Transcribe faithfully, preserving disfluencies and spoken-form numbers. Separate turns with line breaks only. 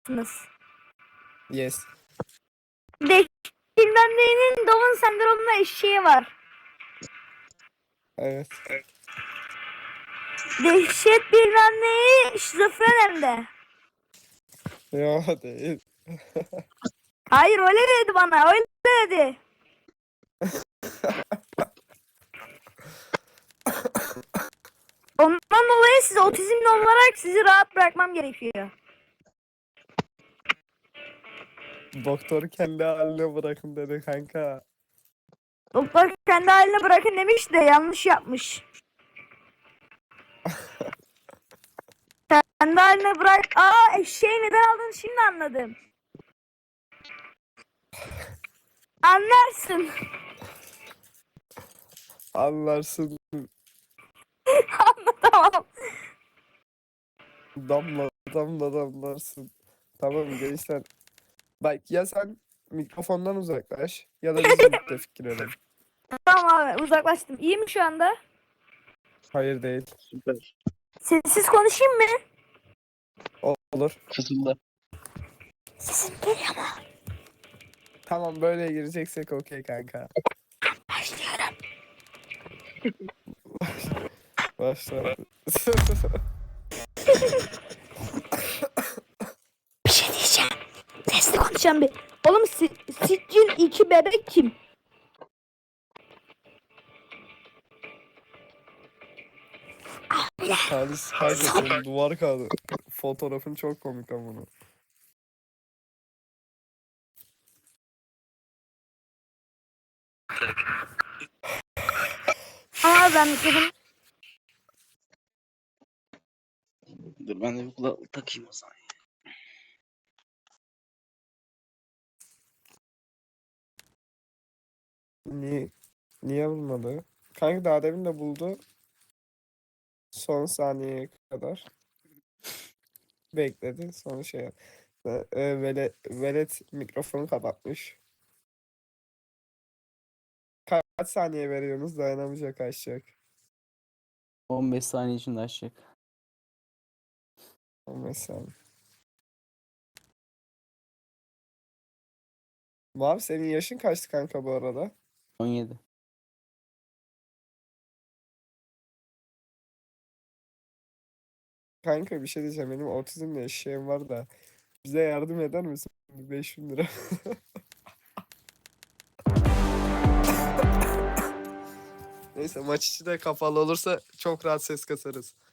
mısınız?
Yes.
Dehşet bilmem neyinin Down sendromuna eşeği var.
Evet.
Dehşet bilmem neyi şizofren hem de.
Yo değil.
Hayır öyle dedi bana, öyle dedi. Ondan dolayı siz otizmli olarak sizi rahat bırakmam gerekiyor.
Doktor kendi haline bırakın dedi kanka.
Doktor kendi haline bırakın demiş de yanlış yapmış. Kendi haline bırak. Aa eşeği neden aldın şimdi anladım. Anlarsın.
Anlarsın.
Tamam.
Damla damla damlarsın. Tamam gençler. Bak ya sen mikrofondan uzaklaş ya da biz birlikte fikir edelim.
Tamam abi uzaklaştım. İyi mi şu anda?
Hayır değil.
Süper.
Sessiz konuşayım mı?
Olur.
Kızılda.
Sesim geliyor mu?
Tamam böyle gireceksek okey kanka.
Başlıyorum.
Başla.
Bir şey diyeceğim. Sesli konuşacağım bir. Oğlum si Sicil iki bebek kim?
Halis kanka senin duvar kağıdı. Fotoğrafın çok komik ama bunu.
Aa ben mikrofonu...
Dur ben de bir kulaklık takayım o zaman.
Niye, niye bulmadı? Kanka daha demin de buldu. Son saniyeye kadar. Bekledi. Sonra şey yaptı. E, velet, velet mikrofonu kapatmış. Kaç saniye veriyorsunuz? Dayanamayacak açacak.
on beş saniye içinde açacak.
on beş saniye. Mavi senin yaşın kaçtı kanka bu arada?
on yedi.
Kanka bir şey diyeceğim. Benim otizmle eşeğim var da. Bize yardım eder misin? beş bin lira. Neyse maç içi de kapalı olursa çok rahat ses kasarız.